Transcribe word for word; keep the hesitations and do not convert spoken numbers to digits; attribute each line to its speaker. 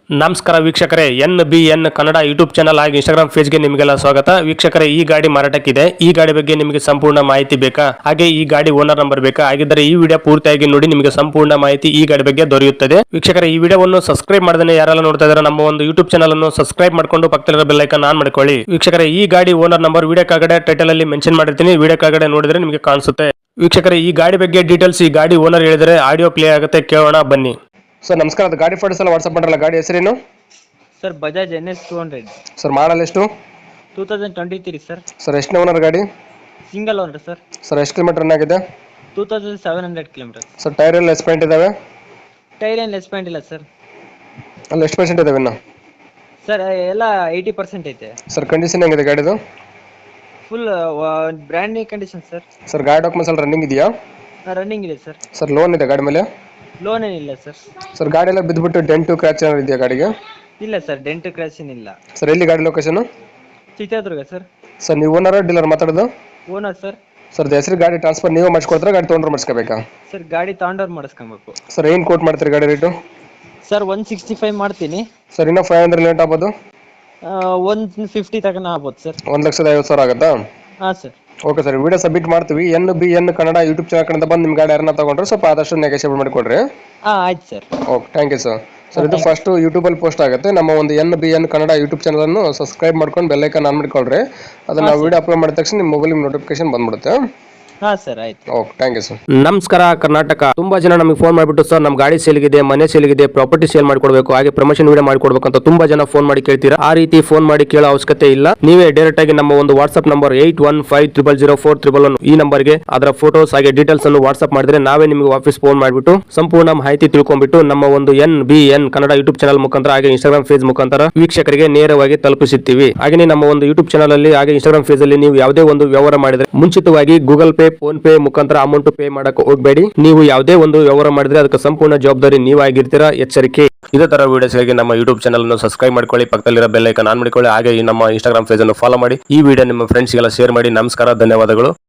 Speaker 1: ನಮಸ್ಕಾರ ವೀಕ್ಷಕರೇ, N B N Kannada YouTube channel ಹಾಗೂ ಇನ್ಸ್ಟಾಗ್ರಾಮ್ ಪೇಜ್ಗೆ ನಿಮಗೆಲ್ಲ ಸ್ವಾಗತ. ವೀಕ್ಷಕರೇ, ಈ ಗಾಡಿ ಮಾರಾಟಕ್ಕಿದೆ. ಈ ಗಾಡಿ ಬಗ್ಗೆ ನಿಮಗೆ ಸಂಪೂರ್ಣ ಮಾಹಿತಿ ಬೇಕಾ? ಹಾಗೆ ಈ ಗಾಡಿ ಓನರ್ ನಂಬರ್ ಬೇಕಾ? ಹಾಗಿದ್ದರೆ ಈ ವಿಡಿಯೋ ಪೂರ್ತಿಯಾಗಿ ನೋಡಿ, ನಿಮಗೆ ಸಂಪೂರ್ಣ ಮಾಹಿತಿ ಈ ಗಾಡಿ ಬಗ್ಗೆ ದೊರೆಯುತ್ತದೆ. ವೀಕ್ಷಕರೇ, ಈ ವಿಡಿಯೋವನ್ನು ಸಬ್ಸ್ಕ್ರೈಬ್ ಮಾಡದೇ ಯಾರೆಲ್ಲ ನೋಡ್ತಾ ಇದ್ದಾರೆ ನಮ್ಮ ಒಂದು ಯೂಟ್ಯೂಬ್ ಚಾನಲ್ ಅನ್ನು ಸಬ್ಸ್ಕ್ರೈಬ್ ಮಾಡ್ಕೊಂಡು ಪಕ್ಕದಲ್ಲಿರೋ ಬೆಲ್ ಐಕಾನ್ ಆನ್ ಮಾಡ್ಕೊಳ್ಳಿ. ವೀಕ್ಷಕರೇ, ಈ ಗಾಡಿ ಓನರ್ ನಂಬರ್ ವಿಡಿಯೋ ಕೆಳಗಡೆ ಟೈಟಲ್ ಅಲ್ಲಿ ಮೆನ್ಷನ್ ಮಾಡಿರ್ತೀನಿ, ವಿಡಿಯೋ ಕೆಳಗಡೆ ನೋಡಿದ್ರೆ ನಿಮಗೆ ಕಾಣಿಸುತ್ತೆ. ವೀಕ್ಷಕರೇ, ಈ ಗಾಡಿ ಬಗ್ಗೆ ಡೀಟೇಲ್ಸ್ ಈ ಗಾಡಿ ಓನರ್ ಹೇಳಿದರೆ ಆಡಿಯೋ ಪ್ಲೇ ಆಗುತ್ತೆ, ಕೇಳೋಣ ಬನ್ನಿ. ಸರ್ ನಮಸ್ಕಾರ, ಅದು ಗಾಡಿ ಫೋಟೋಸ್ ಎಲ್ಲ ವಾಟ್ಸ್ಆಪ್ ಮಾಡಲ್ಲ. ಗಾಡಿ ಹೆಸರೇನು
Speaker 2: ಸರ್? Bajaj N S two hundred
Speaker 1: sir. Model ಎಷ್ಟು?
Speaker 2: Two thousand twenty three sir.
Speaker 1: Sir ಎಷ್ಟನೇ ಓನರ್ ಗಾಡಿ?
Speaker 2: Single owner sir.
Speaker 1: ಸರ್ ಎಷ್ಟು ಕಿಲೋಮೀಟರ್ ರನ್ ಆಗಿದೆ?
Speaker 2: Two thousand seven hundred kilometre.
Speaker 1: Sir tyre ಎಲ್ಲ ಎಷ್ಟು ಪಾಯಿಂಟ್ ಇದಾವೆ?
Speaker 2: ಟೈರ್ ಏನು ಲೆಸ್ ಪಾಯಿಂಟ್ ಇಲ್ಲ ಸರ್.
Speaker 1: ಅಲ್ಲಿ ಎಷ್ಟು ಪರ್ಸೆಂಟ್ ಇದಾವೆ ಇನ್ನು?
Speaker 2: ಸರ್ ಎಲ್ಲ ಏಯ್ಟಿ ಪರ್ಸೆಂಟ್ ಐತೆ.
Speaker 1: ಸರ್ ಕಂಡೀಷನ್ ಹೆಂಗಿದೆ ಗಾಡಿದು?
Speaker 2: Full brand new condition sir.
Speaker 1: Sir ಗಾಡಿ ಡಾಕ್ಯುಮೆಂಟ್ಸ್ ಎಲ್ಲ ರನ್ನಿಂಗ್ ಇದೆಯಾ?
Speaker 2: ರನ್ನಿಂಗ್ ಇದೆ ಸರ್.
Speaker 1: ಸರ್ ಲೋನ್ ಇದೆ ಗಾಡಿ ಮೇಲೆ?
Speaker 2: ಲೋನ್ ಏನಿಲ್ಲ ಸರ್.
Speaker 1: ಸರ್ ಗಾಡಿ ಎಲ್ಲ ಬಿದ್ದುಬಿಟ್ಟು ಡೆಂಟು ಕ್ರ್ಯಾಚ್ ಏನಾದ್ರು ಇದೆಯಾ ಗಾಡಿಗೆ?
Speaker 2: ಇಲ್ಲ ಸರ್, ಡೆಂಟ್ ಕ್ರ್ಯಾಶ್ ಏನಿಲ್ಲ.
Speaker 1: ಸರ್ ಎಲ್ಲಿ ಗಾಡಿ ಲೊಕೇಶನ್?
Speaker 2: ಚಿತ್ರದುರ್ಗ ಸರ್.
Speaker 1: ಸರ್ ನೀವು ಓನರ್ ಡೀಲರ್ ಮಾತಾಡೋದು?
Speaker 2: Owner sir.
Speaker 1: ಸರ್ ಹೆಸರು ಗಾಡಿ ಟ್ರಾನ್ಸ್ಫರ್ ನೀವು ಮಾಡಿಸ್ಕೊಡ್ತಾರೆ, ಗಾಡಿ ತೊಗೊಂಡ್ರೆ ಮಾಡಿಸ್ಕೋಬೇಕಾ?
Speaker 2: ಸರ್ ಗಾಡಿ ತಗೊಂಡವ್ರು ಮಾಡಿಸ್ಕೊಬೇಕು.
Speaker 1: ಸರ್ ಏನು ಕೋಟ್ ಮಾಡ್ತೀರಿ ಗಾಡಿ rate?
Speaker 2: Sir one sixty five ಮಾಡ್ತೀನಿ
Speaker 1: ಸರ್. ಇನ್ನೂ ಫೈವ್ ಹಂಡ್ರೆಡ್ ಲೇಟ್ ಆಗ್ಬೋದು?
Speaker 2: ಒನ್ ಫಿಫ್ಟಿ ತನಕ ಆಗ್ಬೋದು ಸರ್.
Speaker 1: ಒಂದು ಲಕ್ಷದ ಐವತ್ತು ಸಾವಿರ ಆಗುತ್ತಾ?
Speaker 2: ಹಾಂ sir.
Speaker 1: Okay sir, video submit ಮಾಡ್ತೀವಿ. N B N Kannada YouTube channel ಕಡೆಯಿಂದ ಬಂದು ನಿಮ್ಮ ಗಾಡಿ ಯಾರನ್ನ ತಗೊಂಡ್ರೆ ಸ್ವಲ್ಪ ಆದಷ್ಟು ನೆಗೋಷಿಯೇಟ್ ಮಾಡಿಕೊಡ್ರಿ.
Speaker 2: ಹಾಂ ಆಯ್ತು sir.
Speaker 1: Okay, thank you sir. Sir ಇದು ಫಸ್ಟ್ ಯೂಟ್ಯೂಬಲ್ಲಿ ಪೋಸ್ಟ್ ಆಗುತ್ತೆ. ನಮ್ಮ ಒಂದು N B N Kannada YouTube channel ಅನ್ನು ಸಬ್ಸ್ಕ್ರೈಬ್ ಮಾಡ್ಕೊಂಡು ಬೆಲ್ ಐಕಾನ್ ಆನ್ ಮಾಡ್ಕೊಳ್ರಿ. ಅದನ್ನ ನಾವು ವಿಡಿಯೋ ಅಪ್ಲೋಡ್ ಮಾಡಿದ ತಕ್ಷಣ ನಿಮ್ಮ ಮೊಬೈಲ್ ನೋಟಿಫಿಕೇಶನ್ ಬಂದ್ಬಿಡುತ್ತೆ.
Speaker 2: ಹಾ ಸರ್, ಆಯ್ತು.
Speaker 1: Okay, thank you sir.
Speaker 3: ನಮಸ್ಕಾರ ಕರ್ನಾಟಕ. ತುಂಬಾ ಜನ ನಮಗೆ ಫೋನ್ ಮಾಡಿಬಿಟ್ಟು ಸರ್ ನಮ್ಮ ಗಾಡಿ ಸೇಲ್ಗಿದೆ, ಮನೆ ಸೇಲ್ಗಿದೆ, ಪ್ರಾಪರ್ಟಿ ಸೇಲ್ ಮಾಡ್ಕೊಡ್ಬೇಕು, ಹಾಗೆ ಪ್ರಮೋಷನ್ ವಿಡಿಯೋ ಮಾಡ್ಕೊಡ್ಬೇಕು ಅಂತ ತುಂಬಾ ಜನ ಫೋನ್ ಮಾಡಿ ಕೇಳ್ತೀರಾ. ಆ ರೀತಿ ಫೋನ್ ಮಾಡಿ ಕೇಳೋ ಅವಶ್ಯಕತೆ ಇಲ್ಲ. ನೀವೇ ಡೈರೆಕ್ಟ್ ಆಗಿ ನಮ್ಮ ಒಂದು WhatsApp number eight one five triple zero four triple one ಈ ನಂಬರ್ಗೆ ಅದರ ಫೋಟೋಸ್ ಹಾಗೆ ಡೀಟೇಲ್ಸ್ ಅನ್ನು ವಾಟ್ಸ್ಆಪ್ ಮಾಡಿದ್ರೆ ನಾವೇ ನಿಮಗೆ ವಾಪಸ್ ಫೋನ್ ಮಾಡಿಬಿಟ್ಟು ಸಂಪೂರ್ಣ ಮಾಹಿತಿ ತಿಳ್ಕೊಂಡ್ಬಿಟ್ಟು ನಮ್ಮ ಒಂದು N B N Kannada YouTube channel ಮುಖಾಂತರ ಹಾಗೆ ಇನ್ಸ್ಟಾಗ್ರಾಮ್ ಪೇಜ್ ಮುಖಾಂತರ ವೀಕ್ಷಕರಿಗೆ ನೇರವಾಗಿ ತಲುಪಿಸುತ್ತೀವಿ. ಹಾಗೆ ನಮ್ಮ ಒಂದು ಯೂಟ್ಯೂಬ್ ಚಾನಲ್ ಅಲ್ಲಿ ಹಾಗೆ ಇನ್ಸ್ಟಾಗ್ರಾಮ್ ಪೇಜ್ ಅಲ್ಲಿ ನೀವು ಯಾವುದೇ ಒಂದು ವ್ಯವಹಾರ ಮಾಡಿದ್ರೆ ಮುಂಚಿತವಾಗಿ ಗೂಗಲ್ ಪೇ, ಫೋನ್ ಪೇ ಮುಖಾಂತರ ಅಮೌಂಟ್ ಪೇ ಮಾಡಕ್ಕೆ ಹೋಗಬೇಡಿ. ನೀವು ಯಾವುದೇ ಒಂದು ವ್ಯವಹಾರ ಮಾಡಿದ್ರೆ ಅದಕ್ಕೆ ಸಂಪೂರ್ಣ ಜವಾಬ್ದಾರಿ ನೀವಾಗಿರ್ತೀರಾ, ಎಚ್ಚರಿಕೆ.
Speaker 1: ಇದೇ ತರ ವಿಡಿಯೋಸ್ಗಾಗಿ ನಮ್ಮ ಯೂಟ್ಯೂಬ್ ಚಾನಲ್ ಅನ್ನು ಸಬ್ಸ್ಕ್ರೈಬ್ ಮಾಡ್ಕೊಳ್ಳಿ, ಪಕ್ಕದಲ್ಲಿರೋ ಬೆಲ್ ಐಕಾನ್ ಆನ್ ಮಾಡ್ಕೊಳ್ಳಿ. ಹಾಗೆ ಈ ನಮ್ಮ ಇನ್ಸ್ಟಾಗ್ರಾಮ್ ಪೇಜ್ ಅನ್ನು ಫಾಲೋ ಮಾಡಿ. ಈ ವಿಡಿಯೋ ನಿಮ್ಮ ಫ್ರೆಂಡ್ಸ್ಗೆಲ್ಲ ಶೇರ್ ಮಾಡಿ. ನಮಸ್ಕಾರ, ಧನ್ಯವಾದಗಳು.